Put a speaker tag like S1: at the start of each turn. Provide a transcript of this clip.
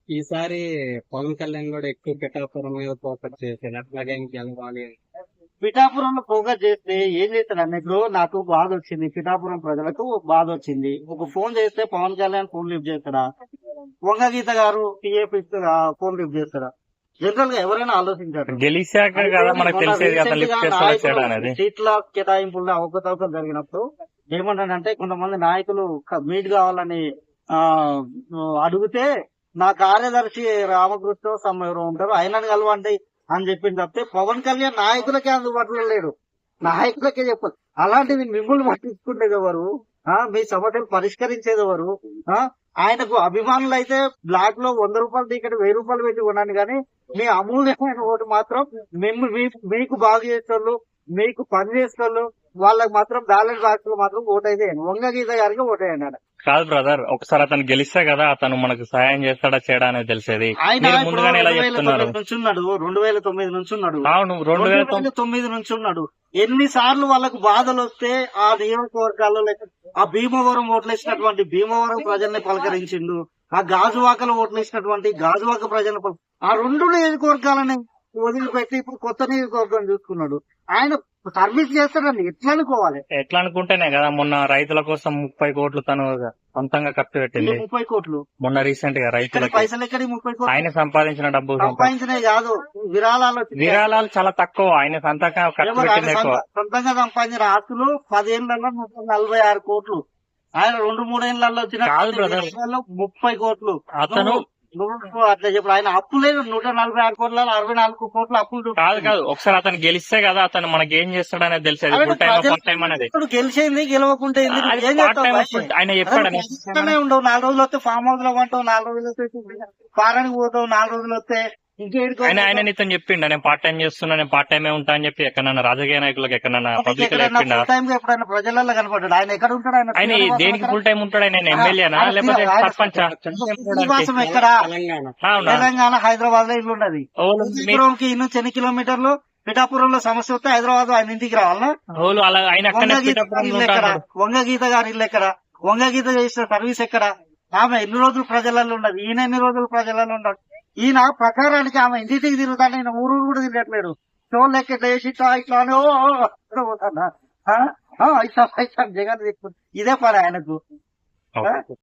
S1: ఈసారి పవన్ కళ్యాణ్ కూడా ఎక్కువ పిఠాపురం మీద ఫోకస్ చేశాడు. అట్లాగే ఇంకెళ్ళాలి.
S2: పిఠాపురంలో ఫోకస్ చేస్తే ఏం చేస్తాడు ఇప్పుడు నాకు బాధ వచ్చింది, పిఠాపురం ప్రజలకు బాధ వచ్చింది. ఒక ఫోన్ చేస్తే పవన్ కళ్యాణ్ ఫోన్ లిఫ్ట్ చేస్తాడా? వంగగీత గారు టీఏఫ్ ఫోన్ లిఫ్ట్ చేస్తాడా? జనరల్ గా ఎవరైనా ఆలోచించారు.
S3: గెలిచాక కదా మనకు తెలిసేది కదా లిఫ్ట్ చేస్తాడా చేయడా అనేది.
S2: సీట్ల కేటాయింపుల్లో అవకతవకలు జరిగినప్పుడు ఏమంటాడంటే, కొంతమంది నాయకులు మీట్ కావాలని అడిగితే నా కార్యదర్శి రామకృష్ణ ఎవరు ఉంటారు, ఆయనని కలవండి అని చెప్పింది తప్పితే పవన్ కళ్యాణ్ నాయకులకే అందుబాటులో లేడు. నాయకులకే చెప్పాలి. అలాంటిది మిమ్మల్ని పట్టించుకునేది ఎవరు? మీ సమస్యలు పరిష్కరించేది ఎవరు? ఆయనకు అభిమానులు అయితే బ్లాక్ లో 100 రూపాయలు టికెట్ 1000 రూపాయలు పెట్టి కొన్నాను, కానీ మీ అమూల్యమైన ఓటు మాత్రం మీకు బాగు చేసేవాళ్ళు, మీకు పని చేసేవాళ్ళు వాళ్ళకి మాత్రం బ్యాలెన్స్ బాక్స్ లో మాత్రం ఓటైతే వంగగీత గారికి ఓటేయండి.
S3: కాదు బ్రదర్, ఒకసారి అతను గెలిస్తే కదా అతను మనకు సహాయం చేస్తాడా చేయడా అనేది తెలిసేది.
S2: ఆయన 2009 నుంచి ఉన్నాడు, 2009 నుంచి ఉన్నాడు,
S3: అవును
S2: 2009 నుంచి ఉన్నాడు. ఎన్నిసార్లు వాళ్ళకు బాధలు వస్తే ఆ నియోజకవర్గాల్లో ఆ భీమవరం ఓట్లేసినటువంటి భీమవరం ప్రజల్ని పలకరించిండు, ఆ గాజువాకలో ఓట్లేసినటువంటి గాజువాక ప్రజలను ఆ 2 నియోజకవర్గాలని వదిలిపెట్టి ఇప్పుడు కొత్త నియోజకవర్గం చూసుకున్నాడు. ఆయన సర్వీస్ చేస్తాడండి. ఎట్లా అనుకోవాలి?
S3: ఎట్లా అనుకుంటేనే కదా మొన్న రైతుల కోసం 30 కోట్లు తను సొంతంగా ఖర్చు పెట్టింది.
S2: 30 కోట్లు
S3: మొన్న రీసెంట్ గా రైతులకి
S2: పైసలు ఎక్కడి 30 కోట్లు
S3: ఆయన సంపాదించిన డబ్బు
S2: సంపాదించినవి కాదు,
S3: విరాళాలు చాలా తక్కువ. ఆయన సొంతంగా ఖర్చు పెట్టింది ఎక్కువ.
S2: సొంతంగా సంపాదించిన ఆస్తులు 10 ఏళ్లలో 46 కోట్లు. ఆయన 2-3 ఏళ్లలో వచ్చిన 30 కోట్లు.
S3: అతను
S2: అట్లా చెప్పు. ఆయన అప్పు లేదు. 146 కోట్ల 64 కోట్ల అప్పులు.
S3: కాదు ఒకసారి అతను గెలిస్తే కదా అతను మనకి ఏం చేస్తాడనేది తెలిసేది. ఫుల్ టైం పార్ట్ టైం అనేది
S2: గెలిచేది గెలవకుంటే
S3: ఆయన చెప్పాడని
S2: ఉండవు. 4 రోజులు వస్తే ఫామ్ హౌస్ లో ఉంటావు, 4 రోజులు వస్తే ఫారెన్ పోతావు, 4 రోజులు వస్తే
S3: ఆయన నీతో చెప్పిండ నేను పార్ట్ టైం చేస్తున్నా, నేను పార్ట్ టైమే ఉంటా అని చెప్పి ఎక్కడన్నా రాజకీయ నాయకులకు ఎక్కడన్నా పబ్లిక్
S2: ఎప్పుడైనా ప్రజలలో కనపడ్డాడు. ఆయన ఎక్కడ ఉంటాడు?
S3: ఆయన దేనికి ఫుల్ టైం ఉంటాడు? ఆయన ఎమ్మెల్యేనా లేకపోతే సర్పంచ్?
S2: ఎక్కడ? తెలంగాణ హైదరాబాద్ లో ఇల్లు ఉన్నది. నుంచి ఎన్ని కిలోమీటర్లు? పిఠాపురంలో సమస్య వస్తే హైదరాబాద్ ఆయన ఇంటికి రావాలా? వంగగీత గారి ఇల్లు ఎక్కడ? వంగగీత చేసిన సర్వీస్ ఎక్కడ? ఆమె ఎన్ని రోజులు ప్రజలలో ఉన్నది, ఈయన ఎన్ని రోజులు ప్రజలలో ఉన్నాడు. ఈయన ప్రకారానికి ఆమె ఇంటికి తిరుగుతాను, ఈయన ఊరు కూడా తిరగట్లేడు. షోల్ లెక్క వేసి ఇట్లా పోతాడా? ఇట్లా జగన్ ఇదే పని ఆయనకు.